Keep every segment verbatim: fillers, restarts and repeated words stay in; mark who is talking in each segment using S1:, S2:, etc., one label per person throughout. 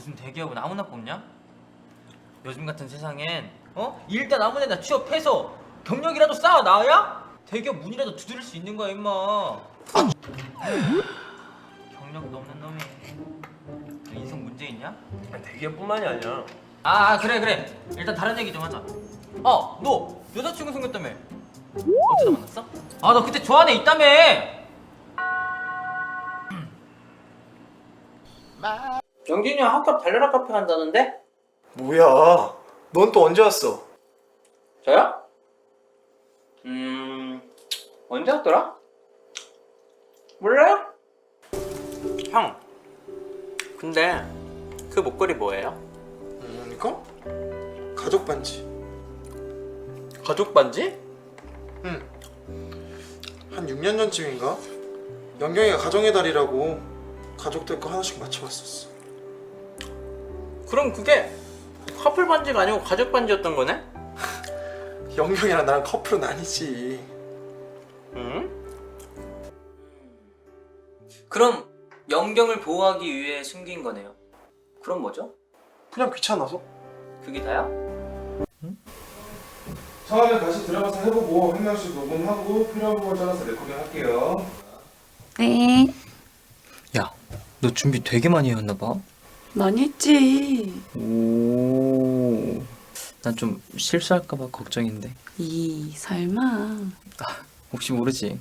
S1: 무슨 대기업은 아무나 뽑냐? 요즘 같은 세상엔 어? 일단 아무데나 취업해서 경력이라도 쌓아 놔야 대기업 문이라도 두드릴 수 있는 거야 임마. 경력도 없는 놈이 너 인생 문제 있냐?
S2: 대기업뿐만이 아니야.
S1: 아, 아 그래 그래 일단 다른 얘기 좀 하자. 어, 너 여자친구 생겼다며. 어쩌다 만났어? 아, 너 그때 좋아하는 애 있다며. 영진이 형 학교 앞 달려라 카페 간다는데?
S3: 뭐야? 넌 또 언제 왔어?
S1: 저요? 음... 언제 왔더라? 몰라요?
S2: 형. 근데 그 목걸이 뭐예요?
S3: 음, 이거? 가족 반지.
S2: 가족 반지?
S3: 응. 한 육 년 전쯤인가? 영경이가 가정의 달이라고 가족들 거 하나씩 맞춰왔었어.
S2: 그럼 그게 커플 반지가 아니고 가족 반지였던 거네?
S3: 영경이랑 나랑 커플은 아니지.
S2: 응?
S1: 그럼 영경을 보호하기 위해 숨긴 거네요. 그럼 뭐죠?
S3: 그냥 귀찮아서.
S1: 그게 다야?
S4: 처음에 다시 들어가서 해보고 한 명씩 녹음하고 필요한 부분 잘라서 레코딩 할게요.
S5: 네.
S1: 야, 너 준비 되게 많이 해왔나 봐.
S5: 많이 했지.
S1: 오... 난 좀 실수할까 봐 걱정인데.
S5: 이 설마.
S1: 혹시 모르지.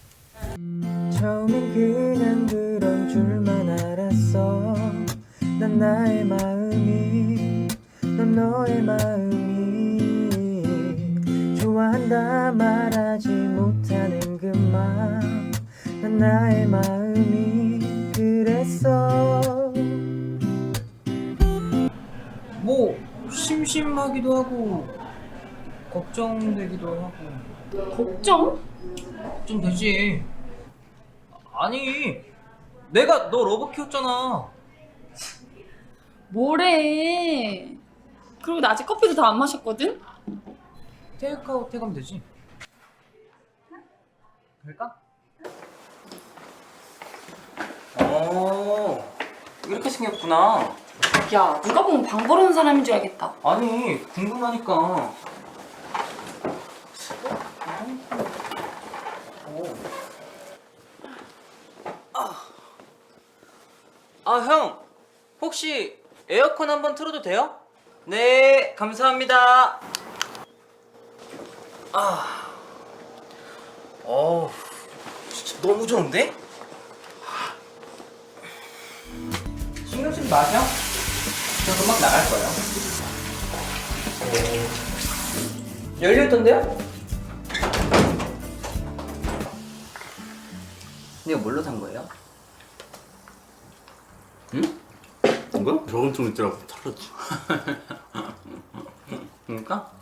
S6: 처음엔 그냥 그런 줄만 알았어. 난 나의 마음이 넌 너의 마음이 좋아한다 말하지 못하는 그 맘. 난 나의 마음이 그랬어.
S1: 뭐 심심하기도 하고 걱정되기도 하고.
S5: 걱정?
S1: 좀 되지. 아니, 내가 너 러브 키웠잖아.
S5: 뭐래. 그리고 나 아직 커피도 다 안 마셨거든?
S1: 테이크아웃 해가면 되지. 그럴까? 어, 이렇게 생겼구나.
S5: 야, 누가 보면 방 벌어놓은 사람인 줄 알겠다.
S1: 아니, 궁금하니까. 아, 형, 혹시 에어컨 한번 틀어도 돼요? 네, 감사합니다. 아, 어우, 진짜 너무 좋은데? 신경 쓰지 마세요. 저 금방 나갈 거예요. 열려있던데요? 이거 뭘로 산 거예요? 응?
S2: 이거? 저건 좀 있더라고. 털었지.
S1: 그러니까?